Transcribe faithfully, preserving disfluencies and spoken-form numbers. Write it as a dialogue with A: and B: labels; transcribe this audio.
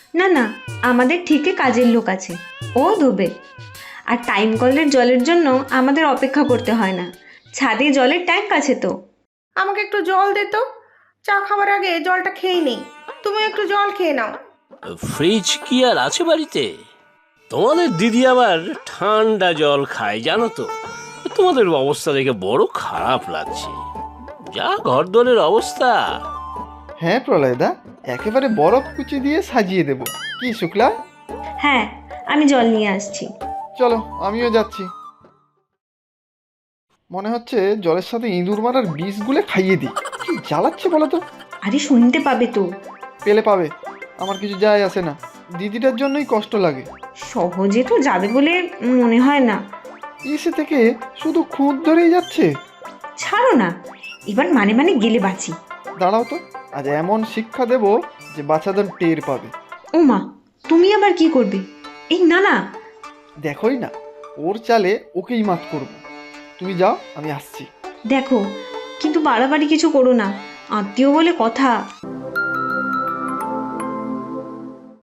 A: না না, আমাদের ঠিকই কাজের লোক আছে, ও ধোবে। আর টাইম কলের জলের জন্য আমাদের অপেক্ষা করতে হয় না, ছাদে জলের ট্যাঙ্ক আছে তো।
B: আমাকে একটু জল দে তো, চা খাবার আগে জলটা খেয়ে নেই। তুমি একটু জল খেয়ে নাও।
C: ফ্রিজ কি আর আছে বাড়িতে? তোমাদের দিদি আবার ঠান্ডা জল খায় জানো তো। তোমাদের অবস্থা দেখে বড় খারাপ লাগছে, যা ঘরদোরের অবস্থা।
D: হ্যাঁ প্রলয়দা, একেবারে বরফ কুচি দিয়ে সাজিয়ে দেব। কি শুক্লা?
A: হ্যাঁ, আমি জল নিয়ে আসছি।
D: চলো আমিও যাচ্ছি। মনে হচ্ছে জলের সাথে ইঁদুর মারার বিষ গুলে খাইয়ে দিই। কি জ্বালাচ্ছে বলো তো?
A: আরে শুনতে পাবে তো।
D: পেলে পাবে, আমার কিছু যায় আসে না। দিদিটার জন্যই কষ্ট লাগে।
A: সহজে তো যাবে বলে মনে হয় না।
D: এসে থেকে শুধু খুঁত ধরেই যাচ্ছে।
A: ছাড়ো না, এবার মানে মানে গেলে বাঁচি।
D: দাঁড়াও তো, আজ এমন শিক্ষা দেব যে বাচ্চাদের টের পাবে।
A: ও মা, তুমি আবার কি করবে? এই না না।
D: দেখোই না, ওর চালে ওকেই মাত করব। তুমি যাও, আমি আসছি।
A: দেখো, কিন্তু বাড়াবাড়ি কিছু করো না, আত্মীয় বলে কথা।